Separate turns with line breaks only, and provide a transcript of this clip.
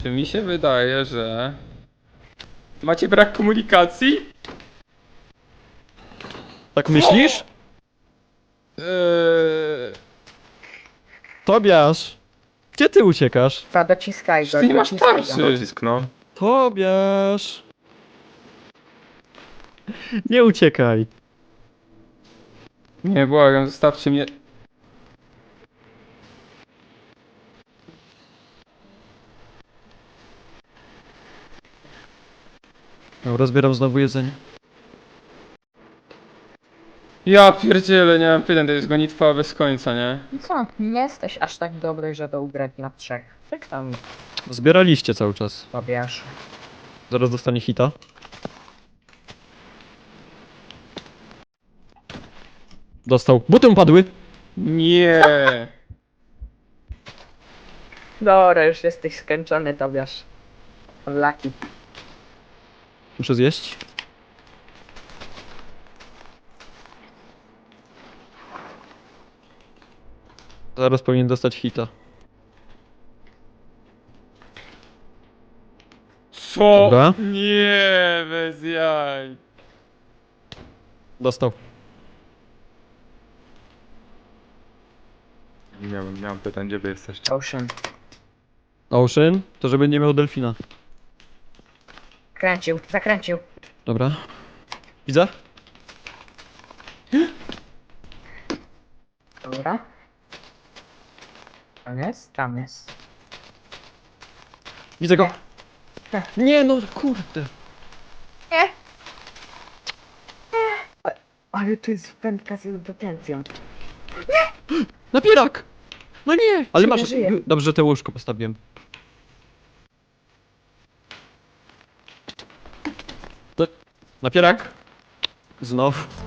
Czy mi się wydaje, że... Macie brak komunikacji?
Tak myślisz? Tobiasz! Gdzie ty uciekasz?
Dwa, dociskaj go,
Ty nie masz
dociskaj go.
tarczy.
Docisk, no.
Tobiasz! Nie uciekaj.
Nie, błagam, zostawcie mnie.
Dobra, zbieram znowu jedzenie.
Ja pierdzielę, nie mam pytań, to jest gonitwa bez końca, nie?
I co? Nie jesteś aż tak dobry, żeby ugrać na 3. Jak tam
Zbieraliście cały czas.
powiesz?
Zaraz dostanie hita. Dostał. Buty mu padły!
Nie.
Dobra, już jesteś skończony, Tobiasz. Laki.
Muszę zjeść. Zaraz powinien dostać hita.
Co?
Dobra.
Nie, bez jaj.
Dostał.
Nie mam pytań, gdzie wy jesteście.
Ocean.
Ocean? To żeby nie miał delfina.
Kręcił, zakręcił.
Dobra. Widzę?
Dobra. Tam jest? Tam jest.
Widzę go!
Nie.
Nie no, kurde.
Nie! Ale to jest wędka z potencją.
Napierak! No nie! Ale masz...
żyje.
Dobrze, że te łóżko postawiłem. To... Napierak! Znowu.